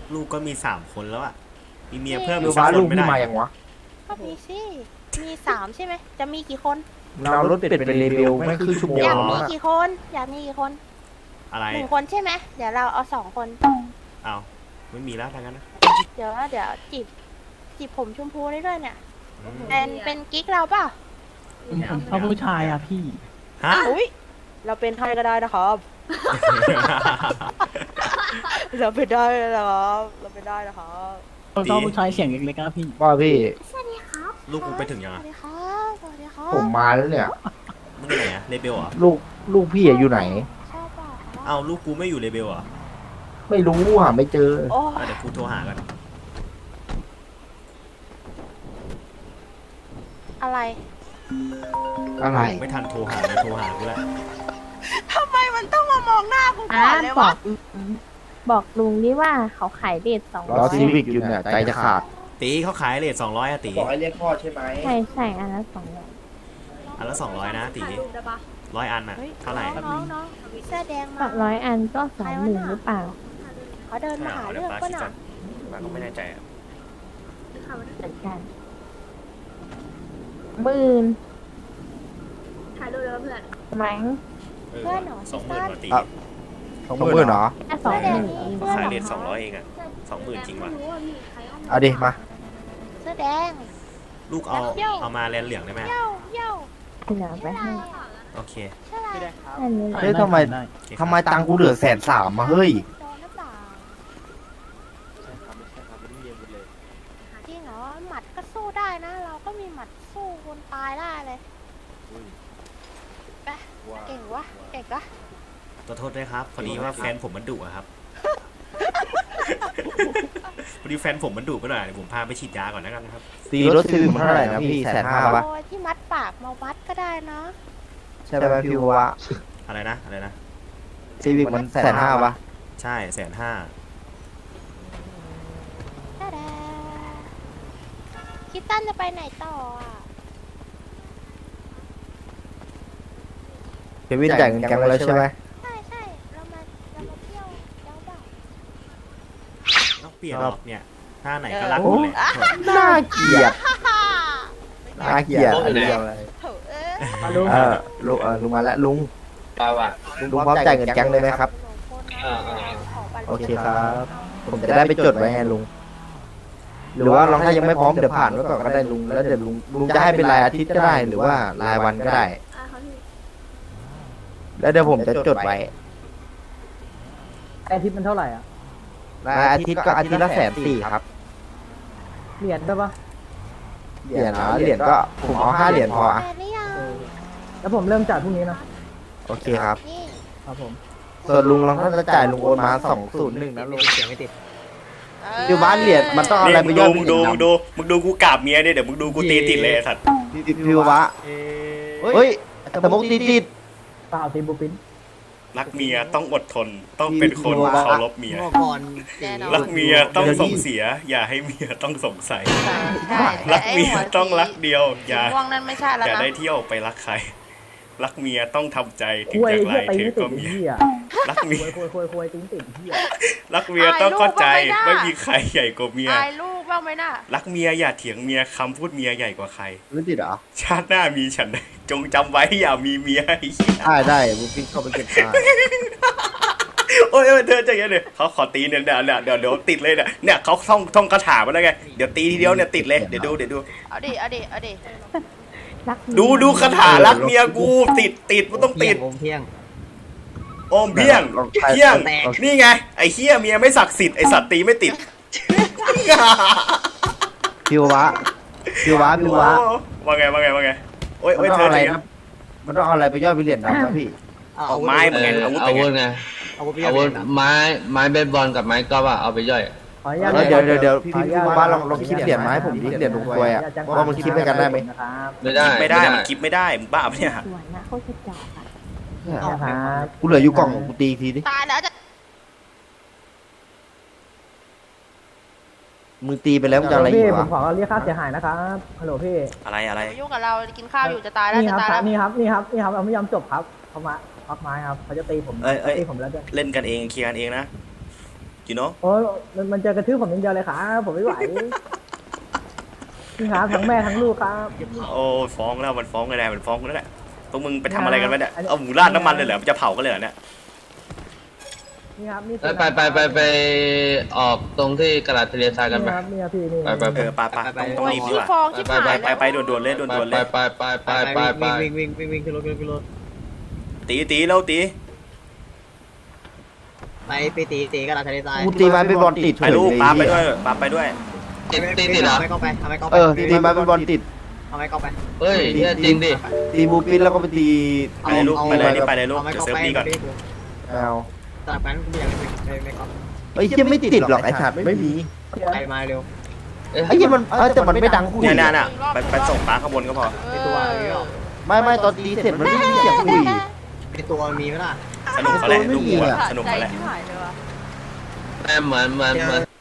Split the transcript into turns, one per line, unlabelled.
ลูกก็มี3 คนแล้วอ่ะมีเมียเพิ่ม
ห
อี
รื
ก
อ
สัก
ว่า
ค
ลู
น
ก
ไม่
พี่
ได้
มาอย่างวะ
ก็มีสิมี3ใช่ไหมจะมีกี่คน
เรารถเป็ดเป็นเลเวลไม่คือชั่วโมง
อยากมี
อะ
กี่คนอยากมีกี่คน
อะไร
1 คนใช่ไหมเดี๋ยวเราเอา2 คน
เอาไม่มีแล้วทางนั้นนะ
เดี๋ยวจีบผมชมพูได้ด้วยเนี่ยเป็นกิ๊กเราเปล่า
ผมชอบผู้ชายอ่ะพี่
ฮะ
อุ้ยเราเป็นให้ก็ได้นะครับ เราเป็นได้นะครับเราเป็นได้นะครับ
ผมชอบผู้ชายเสียงเล็กๆนะพี่
ว่าพี่
ลูกมึงไปถึงยัง
ส
อ่ะ
วัสดีครับสวัสดีครับ
ผมมาแล้วเนี่ย
มึงไปไหนอ่ะเลเบลเหรอ
ลูกพี่อะอยู่ไหน
ชอบเปล่าครับ
เอาลูกกูไม่อยู่เลเบลเหรอ
ไม่รู้หาไม่เจอ
โอ้
เดี๋ยวกูโทรหากัน
อะไร
อะไร
ไม่ทันโทรหาเลยโทรหากูแล้ว
ทำไมมันต้องมามองหน้ากูก่อนเลยวะ
บอกลุงนี่ว่าเขาขายเดท200
รอซีวิกอยู่เนี่ยใจจะขาด
ตีเขาขายเลท200อะตี
บอกให้เรียกพ่อใช่ไหม
ใช่อันละ200
อันละ200นะตี100 อันอ่ะ
เฮ้ย
เท่าไหร่
น้องเสื้อแดงมา
100 อันก็20,000หรือเปล่า
เขาเดินมาหา
เดี๋
เรื่
ย
อ
ว
ง
ป้า
ก็
คิด
ห
ก่
นั
อนป้าก็ไม่แน่ใจอะ
เหมือนกันหมื่น
ถ่ายรูปแล้วเพื่อน
มั้ง
20,000มาตี
20,000เหรอ
แค่
เสื้อแดง
20,000
นี่
เอง
เพื่อน
ขาย
เหรอ
เลท200เองอ่ะ20,000จริงว่ะ
ไม่รู้ว่ามีใครเอามา
เอาดิมา
เสื้อแดง
ลูกเอามาแลนเหลืองได้ไหม
เย้าเย้า
เหลือไปให้
โอเค
ใช่ไร
อันนี้
เฮ้ยทำไม
ได้
โอเค
ทำไมตังค์กูเหลือ130,000มาเฮ้ย
โดนหรือเปล่าจริงเหรอหมัดก็สู้ได้นะ เราก็มีหมัดสู้คนตายได้เลยไปเก่งวะเก่งวะ
ขอโทษด้วยครับพอดีว่าแฟนผมมันดุอะครับ พอดีแฟนผมมันดุไปหน่อยเดี๋ยวผมพาไปฉีดยาก่อนแล้วกันครับ
ตีรถซีวิกมันเท่าไหร่นะพี่150,000ปะ
โอ้ยที่มัดปากมาวัดก็ได้นะ
ใช่ไหมพี่วะ
อะไรนะอะไรนะ
ซีวิกมัน150,000ปะ
ใช่150,000
ดาดาคิดตั้นจะไปไหนต่ออ่ะ
เควินจ่ายเงินแกงแล้วใช่ไหม
ใช่ใช่เรามาเที่ยวเจ้าบ่าว
ต้องเปลี่ยนหรอกเนี่ยท่าไหนก็รักหมดแหละ
น่าเกลียด
ฮ่า
น่าเกลียดอะไรอะไร
โถเอ้ย
ลุง
ลุงมาแล้วลุง
เราอะ
ลุงพร้อมจ่ายเงินแกงเลยไหมครับ โอเคครับ ผมจะได้ไปจดไว้ไงลุง หรือว่าลองถ้ายังไม่พร้อมเดี๋ยวผ่านไว้ก่อนก็ได้ลุง แล้วเดี๋ยวลุงจะให้เป็นรายอาทิตย์ก็ได้ หรือว่ารายวันก็ได้
เขาที่
แล้วเดี๋ยวผมจะจดไว้
อาทิตย์มันเท่าไหร่อ่ะ
รายอาทิตย์ก็อาทิตย์ละ140,000ครับ
เหรียญได้ปะ
เหรียญก็ผมเอา5 เหรียญพออะ
แฟนหรือยัง
แล้วผมเริ่มจ่ายพรุ่งนี้นะ
โอเคครับ
นี่
ครับผม
ส่วนลุงลองถ้าจะจ่ายลุงโอนมา201นะลุง
เสียงไม่ติด
อยู่บ้านเหรียญมันต้องเอาอะไรไปย่อย
มึงดูกูกราบเมียเนี่ยเดี๋ยวมึงดูกูตีติดเลยไอ้สัตว์
พิววะเฮ้ยสมกตีติด
เปล่าตีบูปิน
รักเมียต้องอดทนต้องเป็นคนเคารพเมีย
แน่นอน
รักเมียต้องส่งเสีย อย่าให้เมียต้องสงสัย
ใช่
รักเมียต้องรักเดียว อย่า
ม่วงนั่นไม่ใช่แล้ว
อย่า
นะ
ได้เที่ยวไปรักใคร รักเมียต้องทำใจถึง
คุย
จะไกล
เฮียตี
เธอ
ไม่ติ
ก็
ด
เมีย
เฮีย
รักเมีย
คุยตีไม่ติดเฮีย
รักเมียต้องเข้าใจไม่มีใครใหญ่กว่าเมีย
อายลูกบ้างไหมน่ะ
รักเมียอย่าเถียงเมียคำพูดเมียใหญ่กว่าใคร
ไม่ติดเหรอ
ชาติหน้ามีฉันใดจงจำไว้อย่ามีเมียไอ้เหี้ย
ได้บุฟฟี่เข้าไปเก็บได้
โอ้ยเธอใจเย็นเลยเขาขอตีเนี่ยเดี๋ยวติดเลยเนี่ยเขาท่องคาถามาแล้วไงเดี๋ยวตีทีเดียวเนี่ยติดเลยเดี๋ยวดู
เอาดิเอาดิ
รัก
ดูคาถารักเมียกูติดมันต้องติด
ผมเที่ยง
โอมเพียงเพียงนี่ไงไอ้เฮียเมียไม่ศักดิ์สิทธิ์ไอ้สัตว์ตีไม่ติด
พิววะ
ว่าไงโอ้ย
มัน
เธ
ต้อง
อ
อะไร
อะไร
นะมันต้องเอาอะไรไปย่อยเป็นเหรียญดำนะพี่
เอาไม้มึงไงอาวุธ
อา
เป็นไง
วุธไงอาวุธไม้เบสบอลกับไม้กอล์ฟอะเอาไปย่อย
ขออนุญาต
แล้วเดี๋ยวพี่ว่าลองคิดเหรียญมาให้ผมดิเหรียญลงตัวอ่ะว่ามันคิดด้วยกันได้ไหม
นะครับ
ไม่ได้
ไม่ได้มันคิดไม่ได้มึงบ้าปะเนี่ย
สวนนะเขาจะจอดอ่ะ
นะครับ
กูเหลืออยู่กล่องกูตีทีดิ
ตายแล้วจะ
มือตีไปแล้วมันจะอะไรอี
พี่
ก
ผ
วะ
มขอเรียกค่าเสียหายนะครับฮัลโหลพี่
อะไร
อย่ามายุ่งกับเรากินข้าวอยู่จะตายแล้ว
นี่
จะ
ครับ
ตายแล้ว
นี่ครับเราไม่ยอมจบครับเขามาพักไม้ครับเขาจะตีผมตีผมแล้วด้วย
เล่นกันเองเคลียร์กันเองนะ you know
โอ้ยมันจะกระทืบผมอย่างเดียวเลยครับผมไม่ไหวนี่ครับทั้งแม่ทั้งลูกครับ
โอ้ฟ้องแล้วมันฟ้องกันแน่มันฟ้องกันแล้วแหละพวกมึงไปทำอะไรกันวะเนี่ยเอาหมูราดน้ำมันเลยเหรอจะเผากันเลยเหรอเนี่ย
นี่ครับนี่
ไปออกตรงที่กระดาษทะเลทรายกันไป
ครับนี่ครับพี่นี่
ไป
ต้อง
โอ้ย
รีบดี
ขี้
กว่า
ฟองชิบหายแล้ว
ไปด่วนๆเลยด่วนๆเลย
ไป
วิ่งขึ้นรถขึ้นรถ
ตีแล้วตี
ไปตีกันทะเลทราย
กูตีไม้เป็นบอลติด
ไปลูก
เฉย
ปาไป
เล
ด้วยปาไปด้วย
ติดเหรอ
ไม่เข้าไปทำไมเข้าไป
ตีไม้เป็นบอลติด
ทำไมเข้าไป
เฮ้ยเนี่ยจริงดิ
ตีบูปินแล้วก็ไปตี
ไปเลยลูกไปเลยนี่ไปเลยลูก
ทำไม
เดี๋ยว
เข้า
เซิร์ฟ
ไป
นี่ก่อน
เอา
สลับกันกูอยากไม่เข้า
ไอ้เหี้ยไม่ติดหรอกไอ้สัตว์ไม่มี
ไปมาเร็ว
ไอ้เหี้ยมันแต่มันไม่ดังคุย
เนี่ยไปส่งปลาข้างบนก็พอ
ในตัวนี้หรอ
ไม่ตอนตีเสร็จมันไม่มีเสียงคุย
ในตัวมีไหมล่ะ
สนุกเขาแหละลูกวัวสนุกเขาแหละ
ใจชิบหายเลยว่ะ
แม่เหมือน